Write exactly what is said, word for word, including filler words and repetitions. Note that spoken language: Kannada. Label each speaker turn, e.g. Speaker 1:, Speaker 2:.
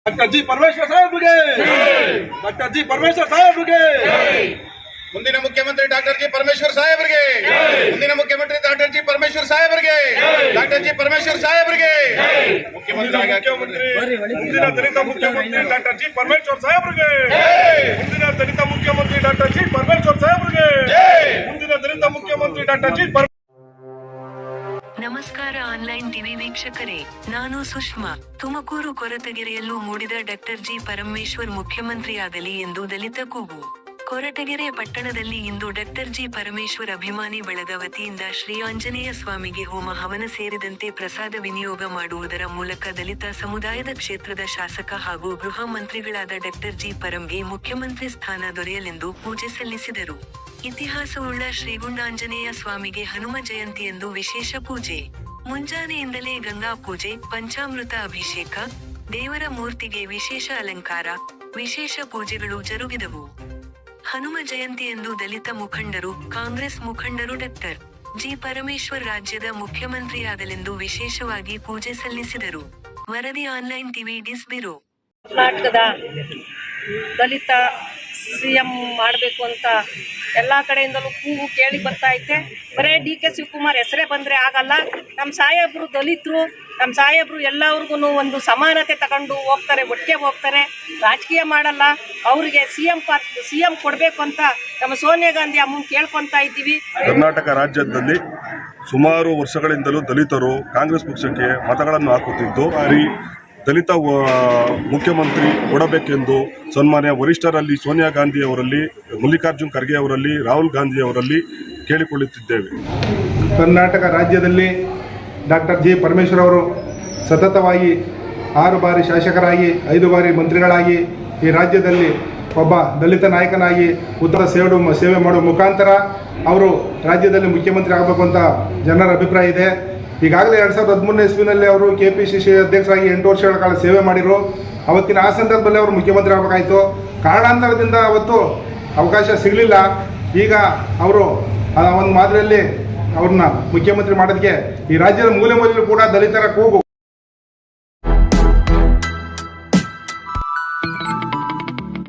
Speaker 1: ಡಾಕ್ಟರ್ ಜಿ ಪರಮೇಶ್ವರ್ ಸಾಹೇಬ್ರಿಗೆ ಡಾಕ್ಟರ್ ಜಿ ಪರಮೇಶ್ವರ್ ಸಾಹೇಬ್ರಿಗೆ
Speaker 2: ಮುಂದಿನ ಮುಖ್ಯಮಂತ್ರಿ ಡಾಕ್ಟರ್ ಜಿ ಪರಮೇಶ್ವರ್ ಸಾಹೇಬ್ರಿಗೆ ಮುಂದಿನ ಮುಖ್ಯಮಂತ್ರಿ ಡಾಕ್ಟರ್ ಜಿ ಪರಮೇಶ್ವರ್ ಸಾಹೇಬ್ರಿಗೆ ಡಾಕ್ಟರ್ ಜಿ ಪರಮೇಶ್ವರ್ ಸಾಹೇಬ್ರಿಗೆ
Speaker 1: ಮುಖ್ಯಮಂತ್ರಿ ಮುಂದಿನ ದಲಿತ ಮುಖ್ಯಮಂತ್ರಿ ಡಾಕ್ಟರ್ ಜಿ ಪರಮೇಶ್ವರ್ ಸಾಹೇಬ್ರಿಗೆ ಮುಂದಿನ ದಲಿತ ಮುಖ್ಯಮಂತ್ರಿ ಡಾಕ್ಟರ್ ಜಿ ಪರಮೇಶ್ವರ್ ಸಾಹೇಬ್ರಿಗೆ ಮುಂದಿನ ದಲಿತ ಮುಖ್ಯಮಂತ್ರಿ ಡಾಕ್ಟರ್ ಜಿ
Speaker 3: ನಮಸ್ಕಾರ ಆನ್ಲೈನ್ ಟಿವಿ ವೀಕ್ಷಕರೇ, ನಾನು ಸುಷ್ಮಾ. ತುಮಕೂರು ಕೊರಟಗೆರೆಯಲ್ಲೂ ಮೂಡಿದ ಡಾಕ್ಟರ್ ಜಿ ಪರಮೇಶ್ವರ್ ಮುಖ್ಯಮಂತ್ರಿಯಾಗಲಿ ಎಂದು ದಲಿತ ಕೂಗು. ಕೊರಟಗೆರೆ ಪಟ್ಟಣದಲ್ಲಿ ಇಂದು ಡಾಕ್ಟರ್ ಜಿ ಪರಮೇಶ್ವರ್ ಅಭಿಮಾನಿ ಬಳಗ ವತಿಯಿಂದ ಶ್ರೀ ಆಂಜನೇಯ ಸ್ವಾಮಿಗೆ ಹೋಮ ಹವನ ಸೇರಿದಂತೆ ಪ್ರಸಾದ ವಿನಿಯೋಗ ಮಾಡುವುದರ ಮೂಲಕ ದಲಿತ ಸಮುದಾಯದ ಕ್ಷೇತ್ರದ ಶಾಸಕ ಹಾಗೂ ಗೃಹ ಮಂತ್ರಿಗಳಾದ ಡಾಕ್ಟರ್ ಜಿ ಪರಂಗೆ ಮುಖ್ಯಮಂತ್ರಿ ಸ್ಥಾನ ದೊರೆಯಲೆಂದು ಪೂಜೆ ಸಲ್ಲಿಸಿದರು. ಇತಿಹಾಸವುಳ್ಳ ಶ್ರೀಗುಂಡಾಂಜನೇಯ ಸ್ವಾಮಿಗೆ ಹನುಮ ಜಯಂತಿಯಂದು ವಿಶೇಷ ಪೂಜೆ. ಮುಂಜಾನೆಯಿಂದಲೇ ಗಂಗಾ ಪೂಜೆ, ಪಂಚಾಮೃತ ಅಭಿಷೇಕ, ದೇವರ ಮೂರ್ತಿಗೆ ವಿಶೇಷ ಅಲಂಕಾರ, ವಿಶೇಷ ಪೂಜೆಗಳು ಜರುಗಿದವು. ಹನುಮ ಜಯಂತಿಯಂದು ದಲಿತ ಮುಖಂಡರು, ಕಾಂಗ್ರೆಸ್ ಮುಖಂಡರು ಡಾಕ್ಟರ್ ಜಿ ಪರಮೇಶ್ವರ್ ರಾಜ್ಯದ ಮುಖ್ಯಮಂತ್ರಿಯಾಗಲೆಂದು ವಿಶೇಷವಾಗಿ ಪೂಜೆ ಸಲ್ಲಿಸಿದರು. ವರದಿ ಆನ್ಲೈನ್ ಟಿವಿ ಡಿಸ್ ಬ್ಯೂರೋ.
Speaker 4: ಕರ್ನಾಟಕದ ದಲಿತ ಸಿ ಎಂ ಮಾಡಬೇಕು ಅಂತ ಎಲ್ಲ ಕಡೆಯಿಂದಲೂ ಕೂಗು ಕೇಳಿ ಬರ್ತಾ ಐತೆ. ಬರೇ ಡಿ ಕೆ ಶಿವಕುಮಾರ್ ಹೆಸರೇ ಬಂದರೆ ಆಗಲ್ಲ. ನಮ್ಮ ಸಾಹೇಬರು ದಲಿತರು, ನಮ್ಮ ಸಾಹೇಬರು ಎಲ್ಲವ್ರಿಗೂ ಒಂದು ಸಮಾನತೆ ತಗೊಂಡು ಹೋಗ್ತಾರೆ, ಒಟ್ಟಿಗೆ ಹೋಗ್ತಾರೆ, ರಾಜಕೀಯ ಮಾಡಲ್ಲ. ಅವರಿಗೆ ಸಿ ಎಂ ಪಾರ್ ಸಿ ಎಂ ಕೊಡಬೇಕು ಅಂತ ನಮ್ಮ ಸೋನಿಯಾ ಗಾಂಧಿ ಅಮ್ಮನ ಕೇಳ್ಕೊತಾ ಇದ್ದೀವಿ.
Speaker 5: ಕರ್ನಾಟಕ ರಾಜ್ಯದಲ್ಲಿ ಸುಮಾರು ವರ್ಷಗಳಿಂದಲೂ ದಲಿತರು ಕಾಂಗ್ರೆಸ್ ಪಕ್ಷಕ್ಕೆ ಮತಗಳನ್ನು ಹಾಕುತ್ತಿದ್ದು ದಲಿತ ಮುಖ್ಯಮಂತ್ರಿ ಕೊಡಬೇಕೆಂದು ಸನ್ಮಾನ್ಯ ವರಿಷ್ಠರಲ್ಲಿ ಸೋನಿಯಾ ಗಾಂಧಿ ಅವರಲ್ಲಿ, ಮಲ್ಲಿಕಾರ್ಜುನ್ ಖರ್ಗೆ ಅವರಲ್ಲಿ, ರಾಹುಲ್ ಗಾಂಧಿ ಅವರಲ್ಲಿ ಕೇಳಿಕೊಳ್ಳುತ್ತಿದ್ದೇವೆ.
Speaker 6: ಕರ್ನಾಟಕ ರಾಜ್ಯದಲ್ಲಿ ಡಾಕ್ಟರ್ ಜಿ ಪರಮೇಶ್ವರ್ ಅವರು ಸತತವಾಗಿ ಆರು ಬಾರಿ ಶಾಸಕರಾಗಿ, ಐದು ಬಾರಿ ಮಂತ್ರಿಗಳಾಗಿ ಈ ರಾಜ್ಯದಲ್ಲಿ ಒಬ್ಬ ದಲಿತ ನಾಯಕನಾಗಿ ಉತ್ತರ ಸೇವೆ ಸೇವೆ ಮಾಡುವ ಮುಖಾಂತರ ಅವರು ರಾಜ್ಯದಲ್ಲಿ ಮುಖ್ಯಮಂತ್ರಿ ಆಗಬೇಕು ಅಂತ ಜನರ ಅಭಿಪ್ರಾಯ ಇದೆ. ಈಗಾಗಲೇ ಎರಡು ಸಾವಿರದ ಹದಿಮೂರನೇ ಇಸ್ವಿನಲ್ಲಿ ಅವರು ಕೆ ಪಿ ಸಿ ಸಿ ಅಧ್ಯಕ್ಷರಾಗಿ ಎಂಟು ವರ್ಷಗಳ ಕಾಲ ಸೇವೆ ಮಾಡಿದರು. ಅವತ್ತಿನ ಆ ಸಂದರ್ಭದಲ್ಲಿ ಅವರು ಮುಖ್ಯಮಂತ್ರಿ ಆಗಬೇಕಾಯಿತು. ಕಾರಣಾಂತರದಿಂದ ಅವತ್ತು ಅವಕಾಶ ಸಿಗಲಿಲ್ಲ. ಈಗ ಅವರು ಆ ಒಂದು ಮಾದರಿಯಲ್ಲಿ ಅವ್ರನ್ನ ಮುಖ್ಯಮಂತ್ರಿ ಮಾಡೋದಕ್ಕೆ ಈ ರಾಜ್ಯದ ಮೂಲೆ ಮೂಲೆಯಲ್ಲೂ ಕೂಡ ದಲಿತರ ಕೂಗು